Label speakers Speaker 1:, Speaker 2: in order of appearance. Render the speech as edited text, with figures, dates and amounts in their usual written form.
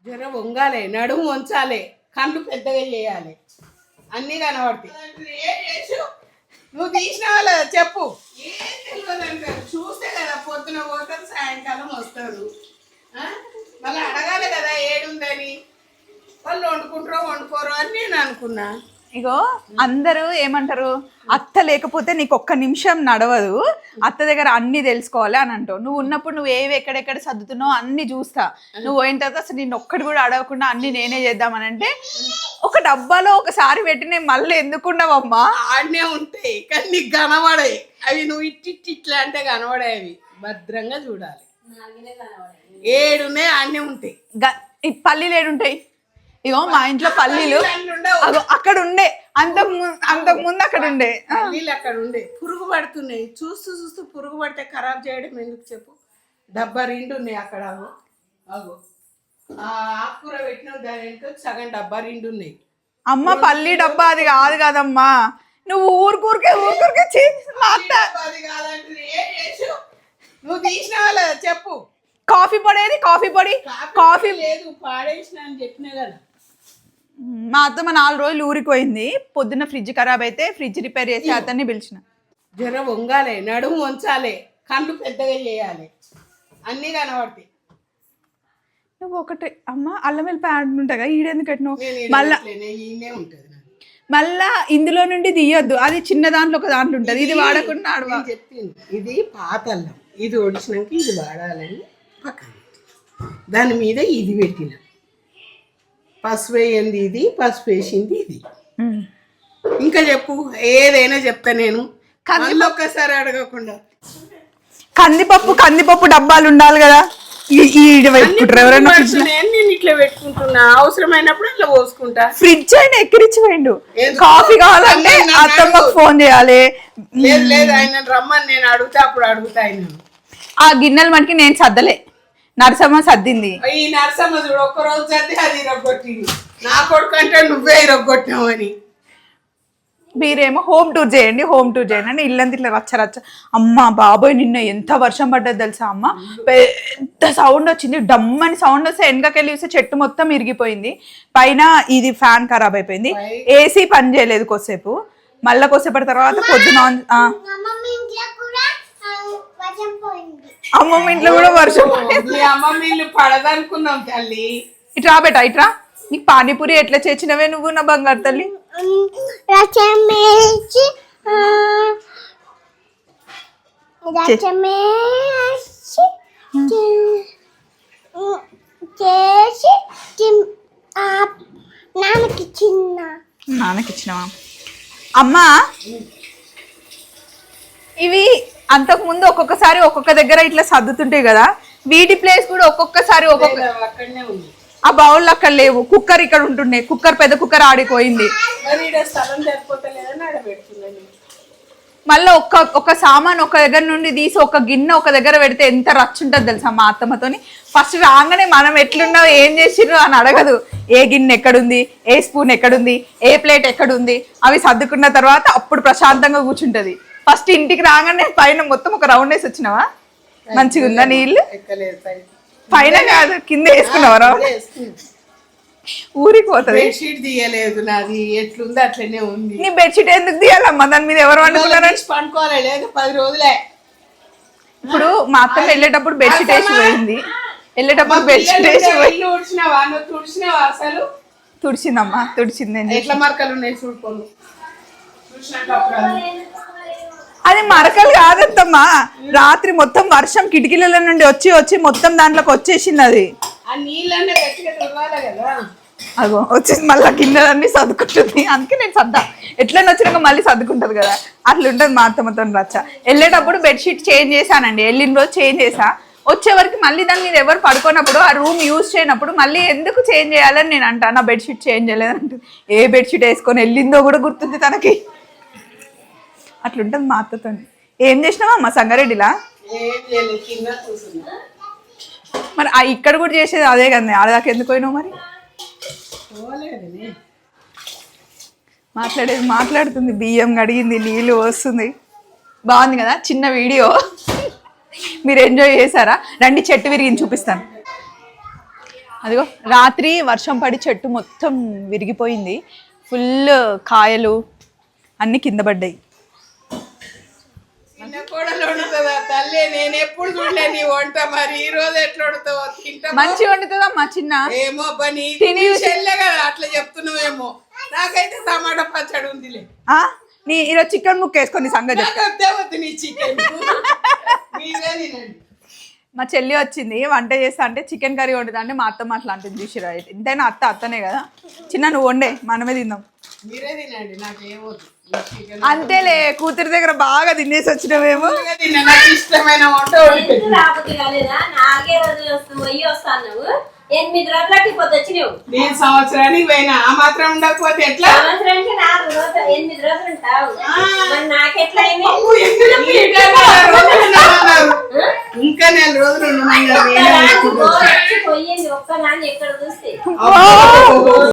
Speaker 1: జర వంగాలి, నడుము వంచాలి, కళ్ళు పెద్దగా చేయాలి, అన్నీ కనబడతాయి. నువ్వు తీసినావా లేదా చెప్పు. ఏం తెలియదు అంటారు, చూస్తే కదా పొద్దున పోతారు సాయంకాలం వస్తారు. మళ్ళీ అడగాలి కదా ఏడుందని. వాళ్ళు వండుకుంటారో వండుకోరో అని నేను అనుకున్నా.
Speaker 2: ఇగో అందరూ ఏమంటారు, అత్త లేకపోతే నీకు ఒక్క నిమిషం నడవదు, అత్త దగ్గర అన్ని తెలుసుకోవాలి అని అంటావు. నువ్వు ఉన్నప్పుడు నువ్వు ఏవి ఎక్కడెక్కడ సర్దుతున్నావు అన్ని చూస్తా. నువ్వు పోయిన తర్వాత అసలు నేను ఒక్కటి కూడా అడగకుండా అన్ని నేనే చేద్దామని అంటే ఒక డబ్బాలో ఒకసారి పెట్టి నేను మళ్ళీ ఎందుకున్నావమ్మా.
Speaker 1: ఆడనే ఉంటాయి కానీ నీకు కనబడాయి అవి. నువ్వు ఇట్లా అంటే కనబడాయి. భద్రంగా చూడాలి. ఏడున్నాయి ఆడనే ఉంటాయి.
Speaker 2: పల్లీలు ఏడుంటాయి. ఇగో మా ఇంట్లో పల్లీలు అక్కడ ఉండే, అంతకు ముందు అక్కడ ఉండే
Speaker 1: పల్లీలు అక్కడ ఉండే. పురుగు పడుతున్నాయి. చూస్తూ చూస్తూ పురుగు పడితే ఖరాబ్ చేయడం ఎందుకు చెప్పు. డబ్బా 2 ఉన్నాయి అక్కడ. అగో ఆకుకూర పెట్టిన దాని వెనుక సగం డబ్బా 2 ఉన్నాయి.
Speaker 2: అమ్మ పల్లి డబ్బా అది కాదు కదమ్మా. నువ్వు ఊరికూరికే
Speaker 1: అది కాదంటే నువ్వు తీసినావా లేదా చెప్పు.
Speaker 2: కాఫీ పొడి ఏది? కాఫీ
Speaker 1: లేదు, పాడేసిన అని చెప్పినా కదా.
Speaker 2: మా అత్తమ్మ 4 రోజులు ఊరికి పోయింది. పొద్దున్న ఫ్రిడ్జ్ ఖరాబ్ అయితే ఫ్రిడ్జ్ రిపేర్ చేసి అతన్ని పిలిచిన.
Speaker 1: జర వంగాలి, నడుము వంచాలి, కళ్ళు పెద్దగా చేయాలి, అన్నీ కనబడతాయి.
Speaker 2: నువ్వు ఒకటి అమ్మ అల్లం వెల్లి ప్యాడ్ ఉంటాయి కదా, ఈడెందుకు కట్టినావు? మళ్ళా ఇందులో నుండి తీయొద్దు, అది చిన్న దాంట్లో ఒక దాంట్లో ఉంటుంది. ఇది వాడకుండా
Speaker 1: చెప్పింది. ఇది పాత అల్లం, ఇది ఒడిచినాక ఇది వాడాలని పక్కన దాని మీద ఇది పెట్టిన. పసుపు వేయింది ఇది, పసుపు వేసింది ఇది. ఇంకా చెప్పు, ఏదైనా చెప్తా నేను. కళ్ళు ఒక్కసారి అడగకుండా.
Speaker 2: కందిపప్పు డబ్బాలు ఉండాలి కదా.
Speaker 1: నేను ఇట్లా పెట్టుకుంటున్నా, అవసరమైనప్పుడు ఇట్లా పోసుకుంటా.
Speaker 2: ఫ్రిడ్జ్ అయినా ఎక్కిరిచ్చిపోయిండు. కాఫీ కావాలంటే అత్తమ్మకు ఫోన్ చేయాలి.
Speaker 1: లేదు ఆయన రమ్మని నేను అడుగుతా, అప్పుడు అడుగుతా. ఆయన
Speaker 2: ఆ గిన్నెలు మనకి నేను సర్దలే, నరసమ్మ సర్దింది.
Speaker 1: ఈ నరసమ్మ చూడు ఒక్కరోజు సర్ది అది ఇరగొట్టింది. నా కొడుకు అంటే నువ్వే ఇరగొట్టినావని.
Speaker 2: మీరేమో హోమ్ టూర్ చేయండి అని ఇల్లంతా ఇట్లా రచ్చ. అమ్మ బాబోయ్ నిన్న ఎంత వర్షం పడ్డది తెలుసా అమ్మ. పెద్ద సౌండ్ వచ్చింది, డమ్మని సౌండ్ వస్తే వెనకకెళ్ళి చూస్తే చెట్టు మొత్తం ఇరిగిపోయింది. పైన ఇది ఫ్యాన్ ఖరాబ్ అయిపోయింది, ఏసీ పని చేయలేదు కొద్దిసేపు. మళ్ళీ కొద్దిసేపటి తర్వాత పొద్దున అమ్మమ్మ ఇంట్లో కూడా వర్షం.
Speaker 1: అమ్మమ్మ ఇల్లు పడదనుకున్నాం తల్లి.
Speaker 2: ఇట్రా బేటా ఇట్రా. నీకు పానీపూరి ఎట్లా చేసినవే నువ్వు నా బంగారు తల్లి? నాన్నకిచ్చినవా అమ్మా? ఇవి అంతకు ముందు ఒక్కొక్కసారి ఒక్కొక్క దగ్గర ఇట్లా సర్దుతుంటాయి కదా, వీటి ప్లేస్ కూడా ఒక్కొక్కసారి
Speaker 1: అక్కడనే ఉంది.
Speaker 2: ఆ బౌల్ అక్కడ లేవు, కుక్కర్ ఇక్కడ ఉంటుండే. పెద్ద కుక్కర్ ఆడిపోయింది. మళ్ళీ ఒక సామాన్ ఒక దగ్గర నుండి తీసి ఒక గిన్నె ఒక దగ్గర పెడితే ఎంత రచ్చు ఉంటుంది తెలుసా మా అత్తమ్మతోని. ఫస్ట్ రాగానే మనం ఎట్లున్నావు ఏం చేసిర్రు అని అడగదు. ఏ గిన్నె ఎక్కడుంది, ఏ స్పూన్ ఎక్కడుంది, ఏ ప్లేట్ ఎక్కడుంది, అవి సర్దుకున్న తర్వాత అప్పుడు ప్రశాంతంగా కూర్చుంటది. ఫస్ట్ ఇంటికి రాగానే పైన మొత్తం ఒక రౌండ్ వేసి వచ్చినావా? మంచిగా ఉందా నీళ్ళు? పైన కాదు కింద వేసుకున్నావా? ఊరికి పోతుంది.
Speaker 1: బెడ్షీట్ తీయలేదు నాది, ఎట్లుంది అట్లనే ఉంది.
Speaker 2: నీ బెడ్షీట్ ఎందుకు తీయాలమ్మా? దాని మీద ఎవరు వండుకున్నారని
Speaker 1: పండుకోవాలి. లేదు 10 రోజులే.
Speaker 2: ఇప్పుడు మా అత్త వెళ్ళేటప్పుడు బెడ్షీట్ వేసి పోయింది. వెళ్ళేటప్పుడు బెడ్షీట్ వేసి
Speaker 1: తుడిచినావా? అసలు
Speaker 2: తుడిచిందమ్మా, తుడిచింది.
Speaker 1: ఎట్లా మరకలు ఉన్నాయి చూడుకోను.
Speaker 2: అది మరకలు కాదత్తమ్మా, రాత్రి మొత్తం వర్షం కిటికీల నుండి వచ్చి మొత్తం దాంట్లోకి వచ్చేసింది. అది అగో వచ్చేసి మళ్ళీ గిన్నెలన్నీ సర్దుకుంటుంది. అందుకే నేను సర్దా, ఎట్లన్నా వచ్చినాక మళ్ళీ సర్దుకుంటది కదా, అట్లా ఉంటుంది మా అత్తమ్మతో రచ్చ. వెళ్ళేటప్పుడు బెడ్షీట్ చేంజ్ చేశానండి, వెళ్ళిన రోజు చేంజ్ చేసా. వచ్చే వరకు మళ్ళీ దాని మీద ఎవరు పడుకున్నప్పుడు ఆ రూమ్ యూజ్ చేయనప్పుడు మళ్ళీ ఎందుకు చేంజ్ చేయాలని నేను అంటా. నా బెడ్షీట్ చేంజ్ చేయలేదంటుంది. ఏ బెడ్షీట్ వేసుకొని వెళ్ళిందో కూడా గుర్తుంది తనకి. అట్లుంటుంది మా అత్తతో. ఏం చేసినావా అమ్మ సంగారెడ్డిలా? మరి ఇక్కడ కూడా చేసేది అదే కదా, ఆడదాకా ఎందుకు పోయినావు మరి? మాట్లాడుతుంది, బియ్యం కడిగింది, నీళ్ళు వస్తుంది. బాగుంది కదా చిన్న వీడియో. మీరు ఎంజాయ్ చేశారా? రండి చెట్టు విరిగింది చూపిస్తాను. అదిగో రాత్రి వర్షం పడి చెట్టు మొత్తం విరిగిపోయింది, ఫుల్ కాయలు అన్ని కింద పడ్డాయి.
Speaker 1: చిన్న కోడలు వండుతుందా తల్లి? నేను ఎప్పుడు చూడలే నీ వంట, మరి ఈ రోజు ఎట్లా వండుతావో తింటా.
Speaker 2: మంచిగా వండుతుందా మా చిన్న?
Speaker 1: ఏమో పని చెల్లె కదా అట్లా చెప్తున్నావేమో. నాకైతే టమాటా పచ్చడి ఉందిలే.
Speaker 2: నీ ఈరోజు చికెన్ ముక్క వేసుకొని సంగతి
Speaker 1: వద్దు నీ చికెన్. మీరే తినండి.
Speaker 2: మా చెల్లి వచ్చింది వంట చేస్తా అంటే చికెన్ కర్రీ వండుతా అంటే మా అత్తమ్మ అట్లా అంటుంది చూసిరా. ఎంతైనా అత్తనే కదా. చిన్న నువ్వు వండే మనమే తిందాం.
Speaker 1: మీరే తినండి, నాకు ఏమవుతుంది.
Speaker 2: అంతేలే, కూతురి దగ్గర బాగా తినేసి వచ్చినవేమో.
Speaker 1: నాకు ఇష్టమైన వంట
Speaker 3: రాకపోతే కాలేదా? 4 రోజులు వస్తాను. 8 రోజులకి పొద్దు వచ్చినావు.
Speaker 1: నేను సంవత్సరానికి పోయినా, ఆ మాత్రం ఉండకపోతే ఎట్లా?
Speaker 3: సంవత్సరానికి 4 రోజులు 8 రోజులు ఉంటావు. మరి నాకెట్లా అయింది?
Speaker 1: ఇంకా 4 రోజులు
Speaker 3: పోయింది ఒక్క నాన్న ఎక్కడ చూస్తే.